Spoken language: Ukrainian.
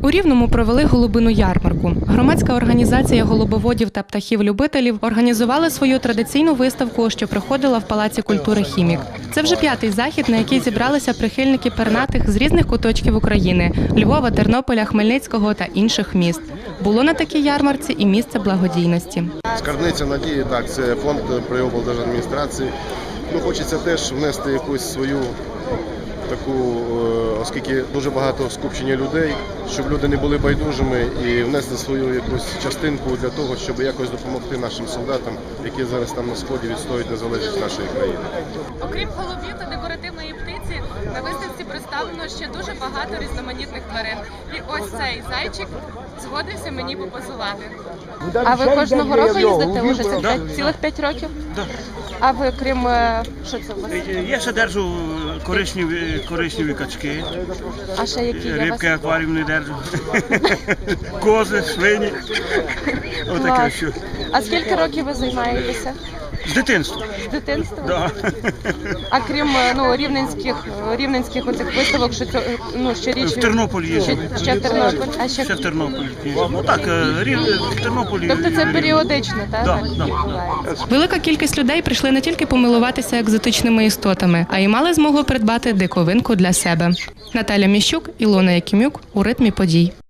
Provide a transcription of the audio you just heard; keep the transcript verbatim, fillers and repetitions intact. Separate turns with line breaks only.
У Рівному провели голубину ярмарку. Громадська організація голубоводів та птахів-любителів організували свою традиційну виставку, що проходила в Палаці культури «Хімік». Це вже п'ятий захід, на який зібралися прихильники пернатих з різних куточків України – Львова, Тернополя, Хмельницького та інших міст. Було на такій ярмарці і місце благодійності.
Скарбниця надії, так, це фонд при облдержадміністрації. Ну, хочеться теж внести якусь свою таку, оскільки дуже багато скупчення людей, щоб люди не були байдужими і внести свою якусь частинку для того, щоб якось допомогти нашим солдатам, які зараз там на сході відстоюють незалежність нашої країни.
Окрім голубів та декоративної птиці, на виставці представлено ще дуже багато різноманітних тварин. І ось цей зайчик згодився мені попозувати. А ви кожного року їздите уже це цілих п'ять років?
Так.
А ви, крім, що це у вас?
Я ще держу коричневі, коричневі качки,
А ще які є у вас?
рибки акваріумні держу, кози, свині. Отаке
Клас.
що.
А скільки років ви займаєтеся?
З дитинства.
З дитинства?
Да.
А крім ну, рівненських, рівненських оцих виставок, що, це, ну, щорічно?
В Тернополі є.
Ще, ще в Тернополі? А ще...
Ще в Тернополі. Ну так, рів... в Тернополі.
Тобто це періодично, так?
Да,
так
да.
відбувається?
Велика кількість людей прийшли не тільки помилуватися екзотичними істотами, а й мали змогу придбати диковинку для себе. Наталя Міщук, Ілона Якимюк у ритмі подій.